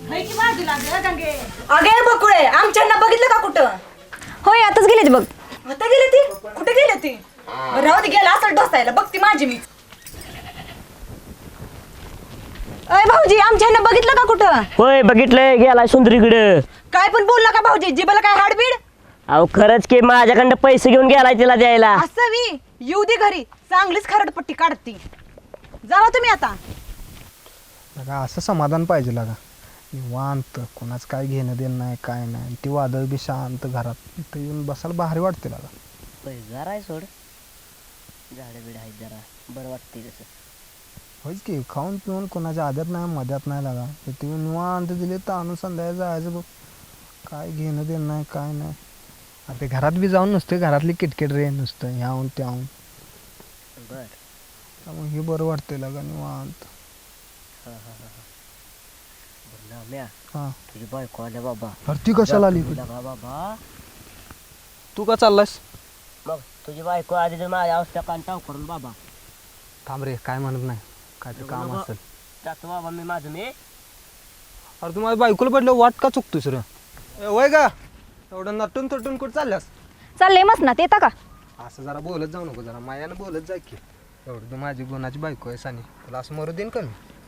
अगे बकुळे आमच्यांना बघितलं का कुठं? होय आताच गेले बघ. आता गेले ती कुठे गेले ती? राहू दे गेला असं ढोसायला बघ ती माझी मी. अय भाऊजी आमच्यानं बघितलं का कुठं? होय बघितलंय गेलाय सुंदरीकडे. काय पण बोलला का भाऊजी? जिबाला काय हाडबीड? अहो खरंच की माझ्याकडं पैसे घेऊन गेलाय तिला द्यायला. असं वी येऊ दे घरी चांगलीच खरडपट्टी काढती. जावा तुम्ही आता. लगा असं समाधान पाहिजे लागा निवांत कोणाच काय घेणं देणं नाही काय नाही ती वादळ बी शांत घरात इथं येऊन बसायला भारी वाटते लागा. जरा आहे सोड झाडं बिड आहेत जरा बरं वाटते तसं. होयच की खाऊन पिऊन कोणाच्या आद्यात नाही मध्यात नाही लागा ते निवांत दिले तर आणून संध्याकाळी जायचं बघ काय घेणं देणं नाही काय नाही. आता घरात बी जाऊन नसते घरातली किटकिट रे नुसतं ह्याहून त्याहून बर त्यामुळे हे बरं वाटतंय लागा निवांत. हां तुझी बायको आल्या बाबा. अरे ती कशाला आली लगा बाबा तू का चाललास? मग तुझी बायको आधी तर माझ्या अवस्था कान टाव करून बाबा. थांब रे काय म्हणत नाही काय ते काम असेल. जातो बाबा मी माझं मी. अरे तू माझ्या बायकोला पडलं वाट का चुकतोस रे? वय का एवढं नटून तटून कुठं चालल्यास? चाललंय मस्त ना येता का? असं जरा बोलत जाऊ नको जरा मायानं बोलत जाय की एवढं तू माझी गुणाची बायको आहे सानी तुला असं मरू देईन का मी?